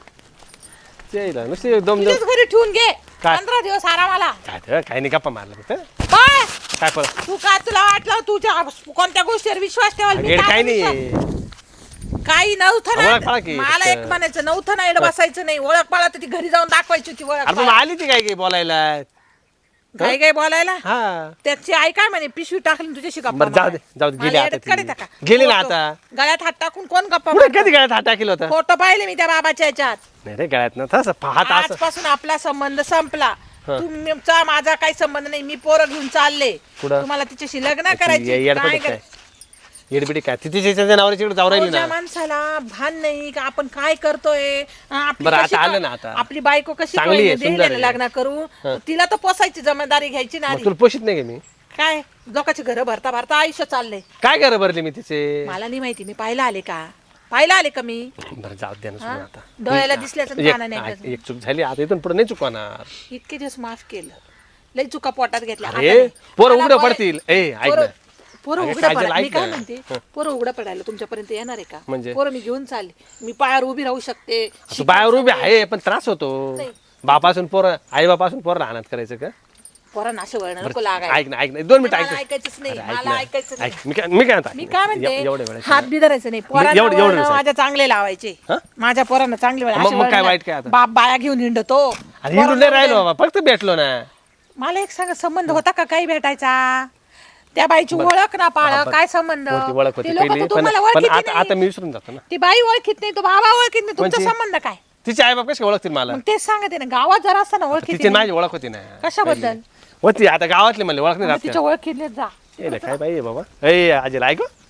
Speaker 4: चेला नुसती दम
Speaker 5: तुझ्याच घरी ठेवून घे
Speaker 4: काय?
Speaker 5: 15 दिवस आरामाला.
Speaker 4: काय काही नाही गप्पा मारला फक्त
Speaker 5: काय
Speaker 4: काय परत
Speaker 5: तू काय तुला वाटलं तुझ्या कोणत्या गोष्टीवर विश्वास ठेवाल मी
Speaker 4: गेड
Speaker 5: काय
Speaker 4: काही
Speaker 5: विश्वास-
Speaker 4: नाही
Speaker 5: काही नव्हतं
Speaker 4: ओळख पाळा
Speaker 5: ना
Speaker 4: की
Speaker 5: मला एक
Speaker 4: फक्त.
Speaker 5: म्हणायचं नव्हतं ना एवढं बसायचं नाही ओळख पाळा तर ती घरी जाऊन दाखवायची होती ओळख
Speaker 4: अरे पण आली ती काय बोलायला
Speaker 5: काही काही बोलायला
Speaker 4: हा
Speaker 5: त्याची आई काय म्हणे पिशवी टाकली आणि तुझ्याशी गप्पा
Speaker 4: बरं जाऊ दे
Speaker 5: मारायला.
Speaker 4: जाऊ दे गेली
Speaker 5: मला
Speaker 4: आता
Speaker 5: येड्यात काढता का?
Speaker 4: ती. गेली ना
Speaker 5: फोटो.
Speaker 4: आता
Speaker 5: गळ्यात हात टाकून कोण गप्पा
Speaker 4: पुढे
Speaker 5: मारतं?
Speaker 4: कधी गळ्यात हात टाकेल होता
Speaker 5: फोटो पाहिले मी त्या बाबाच्या याच्यात
Speaker 4: नाही रे गळ्यात ना तसं पाहत असं
Speaker 5: आजपासून आपला संबंध संपला तुमचा माझा काही संबंध नाही मी पोरं घेऊन चालले
Speaker 4: कुठं?
Speaker 5: तुम्हाला तिच्याशी लग्न करायची काय
Speaker 4: येडबिडी काय येडबिडी काय तिच्या नवऱ्याची इकडे जाऊ राहिली
Speaker 5: तुझ्या
Speaker 4: ना
Speaker 5: माणसाला भान नाही का आपण काय करतोय आपली
Speaker 4: बरं, आता
Speaker 5: कशी
Speaker 4: आलं
Speaker 5: का-
Speaker 4: ना आता.
Speaker 5: आपली बायको कशी
Speaker 4: चांगली आहे,
Speaker 5: कळली,
Speaker 4: सुंदर
Speaker 5: देईन
Speaker 4: आहे.
Speaker 5: लग्न करू तिला तर पोसायची जबाबदारी घ्यायची ना
Speaker 4: मग
Speaker 5: आधी.
Speaker 4: तुला पोषित नाही का मी
Speaker 5: काय लोकांची घरं भरता भरता आयुष्य चाललंय
Speaker 4: काय घर भरले मी तिचे
Speaker 5: मला नाही माहिती मी पाहायला आले का पाहायला आले का मी
Speaker 4: बरं जाऊ द्या ना सोडून आता
Speaker 5: डोळ्याला दिसल्याचं
Speaker 4: एक
Speaker 5: काना नाही
Speaker 4: एक चूक झाली आता इथून पुढे नाही चुकवणार
Speaker 5: इतके दिवस माफ केलं लई चुका पोटात घेतल्या आता
Speaker 4: अरे
Speaker 5: नाही.
Speaker 4: पोरं
Speaker 5: मला
Speaker 4: उघडं
Speaker 5: बोलाय-
Speaker 4: पडतील ए ऐक
Speaker 5: पोरं-
Speaker 4: ना
Speaker 5: पोरं
Speaker 4: अगं,
Speaker 5: उघडं
Speaker 4: काजल,
Speaker 5: पडायला मी
Speaker 4: ऐक
Speaker 5: काय
Speaker 4: ना.
Speaker 5: म्हणते पोरं उघडं पडायला तुमच्यापर्यंत येणार आहे का
Speaker 4: म्हणजे?
Speaker 5: पोरं मी घेऊन चालले मी पायावर उभी राहू शकते
Speaker 4: तू बाहेर उभी आहे पण त्रास होतो बापासून पोरं आई बापासून पोरं अनाथ करायचं का
Speaker 5: पोरांना असं वळण नको
Speaker 4: बरं,
Speaker 5: लागायला
Speaker 4: ऐक ना 2 मिनिटं
Speaker 5: मला
Speaker 4: ऐक
Speaker 5: ऐकायचंच नाही
Speaker 4: अरे, ऐक
Speaker 5: मला
Speaker 4: ना.
Speaker 5: ऐकायचं नाही
Speaker 4: ऐक मी काय म्हणतो
Speaker 5: मी काय म्हणते
Speaker 4: एवढ्या वेळेस
Speaker 5: हात बी धरायचं नाही पोरांना
Speaker 4: एवढं- एवढं
Speaker 5: वळणं
Speaker 4: सांग.
Speaker 5: माझ्या चांगले लावायचे
Speaker 4: हं?
Speaker 5: माझ्या पोरांना चांगले वळण,
Speaker 4: मग-
Speaker 5: असे
Speaker 4: मग काय
Speaker 5: वळण
Speaker 4: वाईट काय आता?
Speaker 5: बाप बाया घेऊन हिंडतो
Speaker 4: अरे हिंडून नाही राहिलो बाबा फक्त भेटलो ना
Speaker 5: मला एक सांगा संबंध होता का काही भेटायचा त्या बाईची ओळख ना पाळ काय संबंध
Speaker 4: ती ओळख होती
Speaker 5: ते लोकं
Speaker 4: पहिली
Speaker 5: तर
Speaker 4: पण
Speaker 5: तुम्हाला
Speaker 4: पण
Speaker 5: ओळखीत
Speaker 4: आता
Speaker 5: नाही.
Speaker 4: आता मी विसरून जातो ना
Speaker 5: ती बाई ओळखीत नाही तो बाबा ओळखीत नाही तुमचा
Speaker 4: कोणची?
Speaker 5: संबंध काय
Speaker 4: तिचे आई बाप कसे ओळखतील मला
Speaker 5: मग तेच सांगते ना गावात जरा असताना ओळखीत
Speaker 4: तिची माझी ओळख होती ना
Speaker 5: कशाबद्दल
Speaker 4: होती आता गावातली म्हणले ओळख नाही
Speaker 5: मग
Speaker 4: राहत
Speaker 5: तिच्या ओळखीतले जा
Speaker 4: काय बाई आहे बाबा ए आजीला ऐक